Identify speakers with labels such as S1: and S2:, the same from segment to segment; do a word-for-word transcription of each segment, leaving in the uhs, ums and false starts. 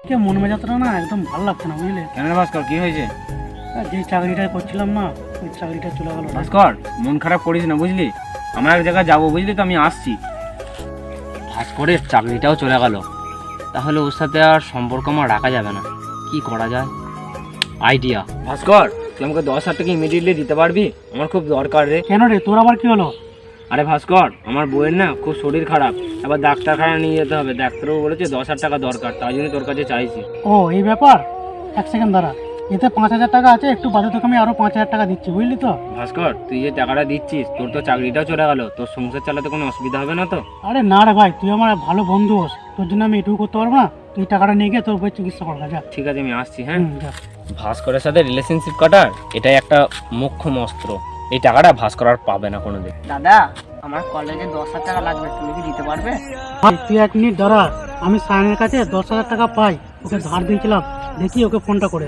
S1: কে মন মেজাজটা না একদম ভালো লাগছে না, বুঝলে?
S2: কেন রে ভাস্কর, কি হয়েছে?
S1: আর যে চাকরিটা করছিলাম না, ওই চাকরিটা চলে গেল।
S2: ভাস্কর, মন খারাপ করিস না, বুঝলি? আমরা এক জায়গায় যাবো, বুঝলি তো, আমি আসছি।
S3: ভাস্করের চাকরিটাও চলে গেল, তাহলে ওর সাথে আর সম্পর্ক আমার রাখা যাবে না। কি করা যায়? আইডিয়া।
S2: ভাস্কর, তুই আমাকে দশ হাজার টাকা ইমিডিয়েটলি দিতে পারবি? আমার খুব দরকার রে।
S1: কেন রে, তোর আবার কি হলো?
S2: আরে ভাস্কর, আমার বউয়ের না খুব শরীর খারাপ, এবার ডাক্তারখানা নিয়ে যেতে হবে। ডাক্তারও বলেছে দশ হাজার টাকা দরকার, তাই জন্য তোর কাছে চাইছি।
S1: ও এই ব্যাপার, এক সেকেন্ড দাঁড়া। এতে পাঁচ হাজার টাকা আছে, একটু বাদে তোকে আমি আরো পাঁচ হাজার টাকা দিচ্ছি, বুঝলি তো?
S2: ভাস্কর, তুই যে টাকাটা দিচ্ছিস, তোর তো চাকরিটাও চলে গেল, তোর সংসার চালাতে কোনো অসুবিধা হবে না তো?
S1: আরে না রে ভাই, তুই আমার ভালো বন্ধু হোস, তোর জন্য আমি এটুকু করতে পারবো না? তুই টাকাটা নিয়ে গিয়ে তোর বই চিকিৎসা করবা, যা।
S2: ঠিক আছে, আমি আসছি। হ্যাঁ,
S1: হুম, যা।
S2: ভাস্করের সাথে রিলেশনশিপ কাটার এটাই একটা মোক্ষম অস্ত্র। এই টাকাটা ভাস্কর আর পাবে না কোনোদিন।
S4: দাদা, আমার কলেজে দশ হাজার টাকা লাগবে, তুমি কি দিতে পারবে?
S1: ভাই, তুই এক মিনিট দাঁড়া, আমি সায়নের কাছে দশ হাজার টাকা পাই, ওকে ধার দিয়েছিলাম, দেখি ওকে ফোনটা করে।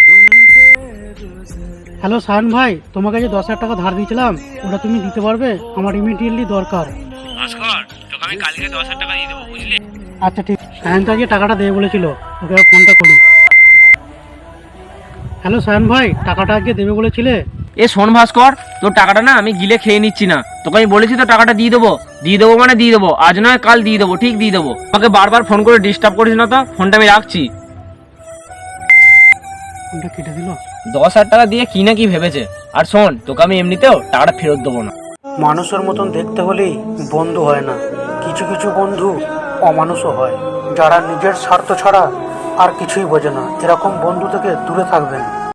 S1: হ্যালো সায়ন ভাই, তোমাকে যে দশ হাজার টাকা ধার দিয়েছিলাম, ওটা তুমি দিতে পারবে? আমার ইমিডিয়েটলি দরকার।
S2: ভাস্কর, তোকে আমি কালকে দশ হাজার টাকা দিয়ে দেবো, বুঝলি?
S1: আচ্ছা ঠিক, সায়ন তো আজকে টাকাটা দেবে বলেছিল, ওকে ফোনটা করি। হ্যালো সায়ন ভাই, টাকাটা আজকে দেবে বলেছিলে?
S2: এ শোন ভাস্কর, তোর টাকাটা না আমি গিলে খেয়ে নিচ্ছি না, তোকে আমি বলেছি তো টাকাটা দিয়ে দেবো। দিয়ে দেবো মানে দিয়ে দেবো, আজ নয় কাল দিয়ে দেবো, ঠিক দিয়ে দেবো। আমাকে বারবার ফোন করে ডিস্টার্ব করিস না তো, ফোনটা আমি রাখছি।
S1: ফোনটা কেটে দিল।
S2: দশ হাজার টাকা দিয়ে কি না কি ভেবেছে। আর শোন, তোকে আমি এমনিতেও টাকাটা ফেরত দেবো না।
S1: মানুষের মতন দেখতে হলেই বন্ধু হয় না, কিছু কিছু বন্ধু অমানুষও হয়, যারা নিজের স্বার্থ ছাড়া আর কিছুই বোঝে না। এরকম বন্ধু থেকে দূরে থাকবেন।